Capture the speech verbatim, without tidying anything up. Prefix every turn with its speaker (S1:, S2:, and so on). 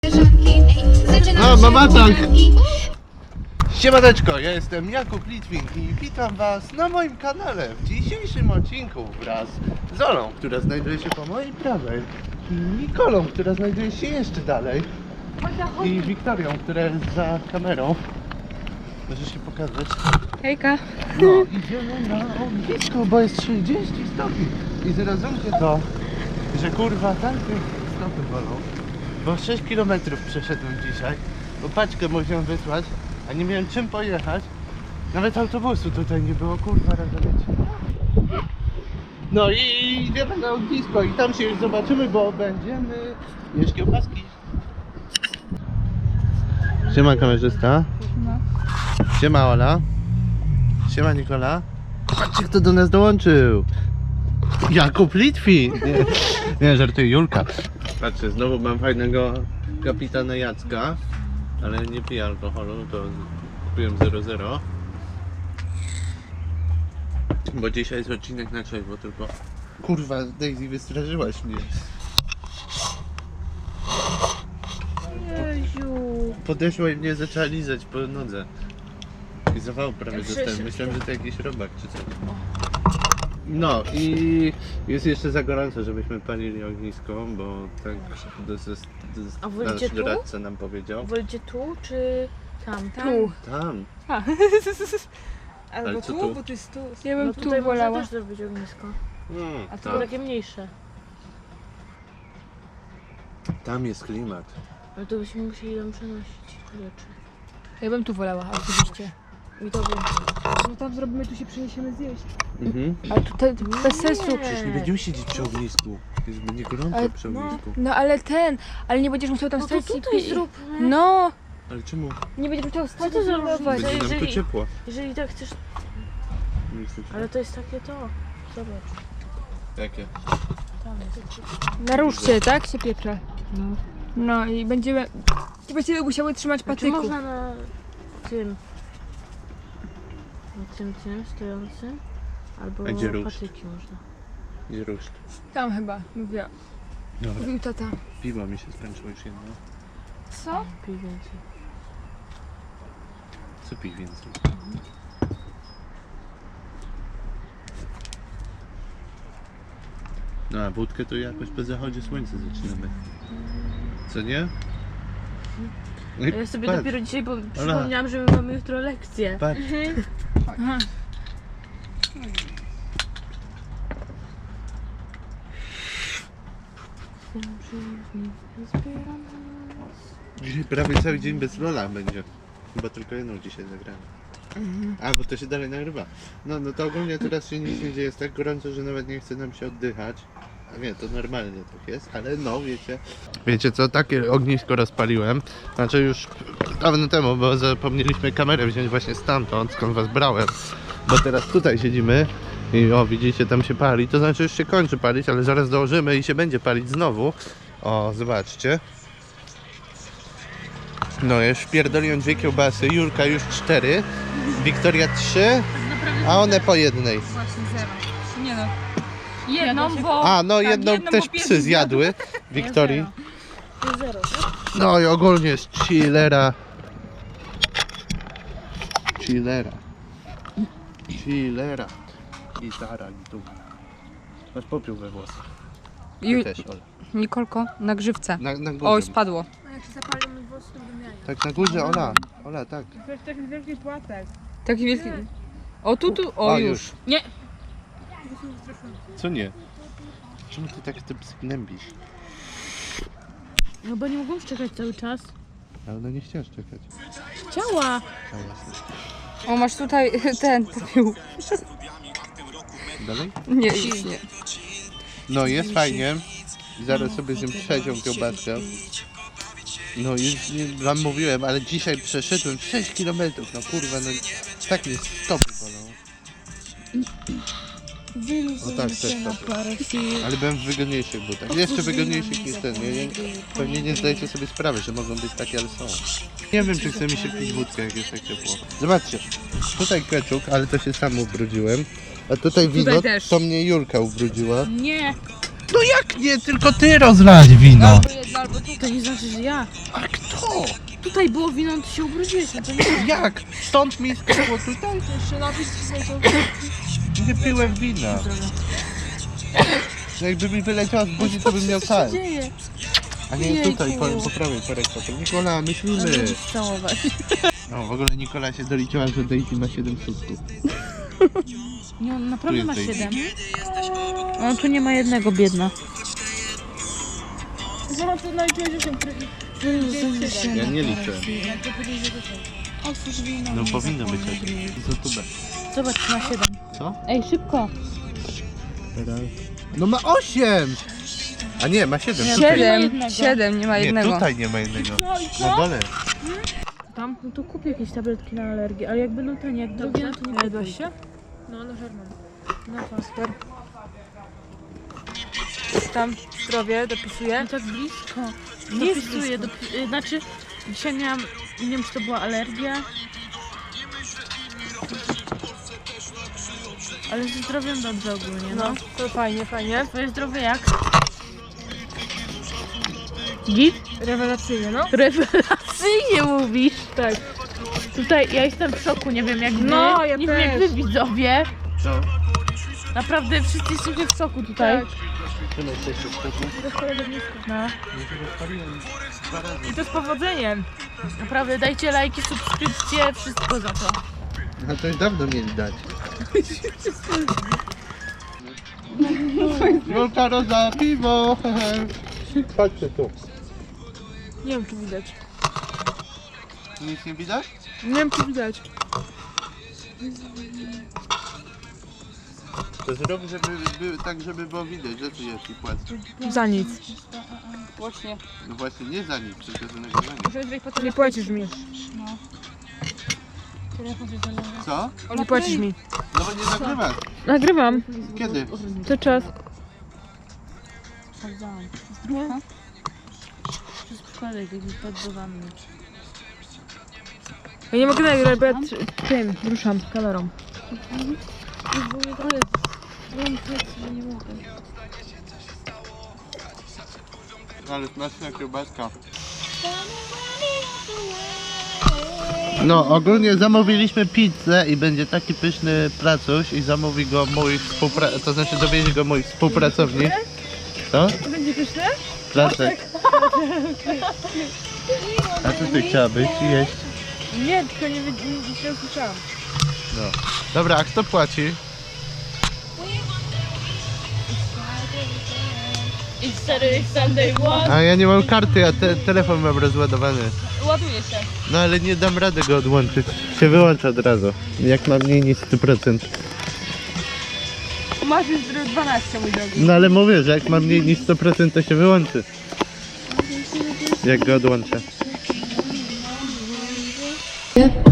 S1: No, mama tak. Siemaneczko, ja jestem Jakub Litwin i witam was na moim kanale w dzisiejszym odcinku wraz z Olą, która znajduje się po mojej prawej, i Nikolą, która znajduje się jeszcze dalej, i Wiktorią, która jest za kamerą. Możesz się pokazać.
S2: Hejka.
S1: No, idziemy na ognisko, bo jest trzydzieści stopni i zrozumcie to, że kurwa tamte stopy bolą, bo sześć kilometrów przeszedłem dzisiaj, bo paczkę musiałem wysłać, a nie miałem czym pojechać. Nawet autobusu tutaj nie było, kurwa, rozumiecie. No i idziemy na ognisko i tam się już zobaczymy, bo będziemy jeść kiełbaski. Siema kamerzysta.
S2: No.
S1: Siema Ola. Siema Nikola. Patrzcie, kto do nas dołączył. Jakub Litwin. Nie, nie żartuję, Julka. Patrzcie, znowu mam fajnego kapitana Jacka, ale nie piję alkoholu, to kupiłem zero zero. Bo dzisiaj jest odcinek na trzeźwo, tylko kurwa, Daisy, wystraszyłaś mnie.
S2: Jeziu.
S1: Podeszła i mnie zaczęła lizać po nodze. I zawał prawie dostałem. Myślałem, że to jakiś robak czy coś. No i jest jeszcze za gorąco, żebyśmy palili ognisko, bo tak
S2: A wolicie
S1: nasz
S2: tu?
S1: doradca nam powiedział.
S2: Wolicie tu czy tam? Tam.
S3: Tu.
S1: Tam.
S3: Albo
S1: Ale co
S3: tu,
S1: tu?
S3: bo to jest tu.
S2: Ja bym
S3: No
S2: tu
S3: tutaj
S2: wolała.
S3: można też zrobić ognisko.
S1: Mm,
S3: A to
S1: tam.
S3: takie
S2: Takie mniejsze.
S1: Tam jest klimat.
S3: Ale to byśmy musieli tam przenosić rzeczy.
S2: Ja bym tu wolała, oczywiście.
S3: I to by...
S4: No tam zrobimy, tu się przeniesiemy zjeść.
S1: Mhm.
S2: Ale tutaj bez sensu.
S1: Przecież nie będziemy siedzieć przy ognisku. Jest będzie gorąco
S2: Ale-
S1: przy
S3: no.
S1: ognisku.
S2: No ale ten, ale nie będziesz musiał tam
S3: No to
S2: stać i
S3: tutaj
S2: pi-
S3: zróbmy.
S2: No,
S1: Ale czemu?
S2: nie będziesz musiał stać
S3: to
S2: i
S3: za
S2: pilnować.
S3: różnica?
S1: Będzie nam tu
S3: jeżeli-
S1: ciepło.
S3: Jeżeli tak chcesz...
S1: Nie chcecie.
S3: Ale to jest takie to. Zobacz.
S1: Jakie?
S3: Tam jest.
S2: Naruszcie, tak? Się pieprze. No. No i będziemy... I będziemy musiały trzymać
S3: Czy
S2: patyku.
S3: można na tym... Na tym, tym stojącym? Albo
S1: A gdzie ruszt?
S3: patyki można.
S1: Gdzie ruszt?
S2: Tam chyba, mówiła.
S1: Dobra.
S2: Mówił tata.
S1: Piwo mi się skończyło już jedno.
S2: Co?
S3: Pij więcej.
S1: Co pij więcej? No a wódkę to jakoś po zachodzie słońca zaczynamy. Co nie? No i
S3: A ja sobie
S1: patrz,
S3: dopiero dzisiaj po- przypomniałam, że my mamy jutro lekcję.
S1: patrz.
S2: Aha.
S1: Dzisiaj prawie cały dzień bez Lola będzie. Chyba tylko jedną dzisiaj zagramy. A, bo to się dalej nagrywa. No, no to ogólnie teraz się nic nie dzieje, jest tak gorąco, że nawet nie chce nam się oddychać. A nie, to normalnie tak jest, ale no wiecie. Wiecie co, takie ognisko rozpaliłem. Znaczy już dawno temu, bo zapomnieliśmy kamerę wziąć właśnie stamtąd, skąd was brałem. Bo teraz tutaj siedzimy i o, widzicie, tam się pali. To znaczy już się kończy palić, ale zaraz dołożymy i się będzie palić znowu. O, zobaczcie. No, już wpierdoliłem dwie kiełbasy, Julka już cztery, Wiktoria trzy, a one po jednej.
S4: Właśnie zero. Nie no. Jedną, bo...
S1: A, no
S4: tak,
S1: jedną
S4: jedną,
S1: też
S4: bo pierwszy
S1: psy zjadły, Wiktorii.
S3: To zero, tak?
S1: No i ogólnie jest chillera. Chillera. Chillera. Gitara, gitara. Masz popiół we włosach. Ty
S4: Ju-
S1: też, Ola.
S4: Nikolko, na grzywce.
S1: Na, na górze.
S4: Oj, spadło.
S3: Jak się zapalimy włosy, to wymianie.
S1: Tak, na górze, Ola. Ola, tak.
S4: To jest taki wielki płatek. Taki wielki... O, tu, tu, o,
S1: O,
S4: już.
S1: już.
S4: Nie.
S1: Co nie? Czemu ty tak te psy gnębisz?
S3: No bo nie mogą czekać cały czas.
S1: Ale ona nie chciała czekać.
S3: Chciała.
S1: A jasne.
S4: O, masz tutaj ten popiół.
S1: Dalej?
S4: Nie, już nie.
S1: No jest fajnie. Zaraz sobie zjem trzecią kiełbaskę. No już nie, wam mówiłem, ale dzisiaj przeszedłem sześć kilometrów. No kurwa, no tak mnie stopy bolą. O tak, też stopy. Ale byłem w wygodniejszych butach. Jeszcze wygodniejszych niż ten. Nie, nie, pewnie nie zdajecie sobie sprawy, że mogą być takie, ale są. Nie wiem, czy chce mi się pić wódkę, jak jest tak ciepło. Zobaczcie, tutaj keczuk, ale to się sam ubrudziłem. A tutaj wino,
S4: też.
S1: to mnie Julka ubrudziła.
S4: Nie.
S1: No jak nie, tylko ty rozlać wino.
S4: Albo jedno, albo
S3: To nie znaczy, że ja.
S1: A kto?
S3: Tutaj było wino, to się ubrudziłeś, no to nie.
S1: Jak? Stąd mi skakło tutaj?
S2: Jeszcze napis tutaj to...
S1: Nie piłem wina. Że jakby mi wyleciała z buzi, to bym miał
S3: Co
S1: tak.
S3: się dzieje?
S1: A nie
S3: Jejku.
S1: tutaj, po, po prawej korektor. Nikola, myślimy.
S3: Będziesz całować.
S1: No w ogóle Nikola się doliczyła, że Daisy ma siedem sutków.
S3: Nie, on
S1: Tu
S3: naprawdę
S1: jest
S3: ma
S1: Daisy.
S3: siedem. On tu nie ma jednego, biedna.
S2: Zobacz, to naliczyłeś osiem.
S1: Ja nie liczę.
S2: Jak to powiedzieć, że to są.
S3: Otwórz wino.
S1: No powinno być osiem. Co tu be?
S3: Zobacz, ma siedem.
S1: Co?
S3: Ej, szybko.
S1: No ma osiem! A nie, ma siedem.
S3: Nie,
S1: Tutaj.
S4: Siedem,
S3: jednego.
S4: siedem, nie ma
S1: Nie,
S4: jednego.
S1: tutaj nie ma jednego. Na dole.
S3: Tam? No to kupię jakieś tabletki na alergię, ale jak będą tanie, jak drugie, no to nie
S2: Jadłaś
S3: kupuj.
S2: się? No, na Herman.
S3: No to.
S2: Super. Tam zdrowie, dopisuję.
S3: No tak blisko.
S2: Nie jest
S3: Dopisuję,
S2: blisko.
S3: dopi- y, znaczy dzisiaj miałam, nie wiem czy to była alergia. Ale ze zdrowiem dobrze ogólnie, no.
S2: No, to fajnie, fajnie.
S3: Twoje zdrowie jak? Git?
S2: Rewelacyjnie, no.
S3: Rewelacyjnie mówisz.
S2: Tak.
S3: Tutaj ja jestem w szoku, nie wiem jak wy,
S2: No, ja
S3: nie wiem jak
S2: też.
S3: wy widzowie.
S1: Co?
S3: Naprawdę wszyscy jesteście w szoku tutaj.
S2: Tak.
S1: Czym jesteście w skoku?
S3: No.
S1: Dwa razy.
S2: I to z powodzeniem.
S3: Naprawdę dajcie lajki, subskrypcje, wszystko za to.
S1: No to już dawno mieli dać. Wielka roza, piwo! Chodźcie tu.
S2: Nie wiem, czy widać.
S1: Nic nie widać?
S2: Nie wiem, czy widać.
S1: To zrób, żeby by, tak, żeby było widać, że tu jest i płacę.
S2: Za nic.
S4: Właśnie.
S1: No właśnie, nie za nic, tylko za nagrywanie.
S4: Muszę tutaj po
S2: Nie płacisz mi.
S1: Co?
S2: Nie płacisz mi.
S1: No bo nie nagrywasz.
S2: Nagrywam.
S1: Kiedy?
S2: Co czas?
S3: Sprawdzałam. Zdrówka? Przez przypadek, jakby podbywamy.
S2: Ja nie mogę nagrać, bo ja tr- tym ruszam kamerą.
S3: Nie mogę.
S1: Ale smaczna kiełbaska. No, ogólnie zamówiliśmy pizzę i będzie taki pyszny pracuś i zamówi go mój współpracownik, to znaczy dowiezie go mój współpracownik. Co?
S2: Będzie pyszne?
S1: Placek. A co ty chciałabyś jeść?
S2: Nie, tylko nie, wy- nie, nie usłyszałam.
S1: No. Dobra, a kto płaci?
S3: It's Saturday, Sunday, one.
S1: A ja nie mam karty, a te, telefon mam rozładowany.
S4: Ładuje się.
S1: No ale nie dam rady go odłączyć. Się wyłącza od razu. Jak mam mniej niż sto procent.
S4: Masz już dwanaście, mój drogi.
S1: No ale mówię, że jak mam mniej niż sto procent to się wyłączy. Jak go odłączę.
S5: Yep.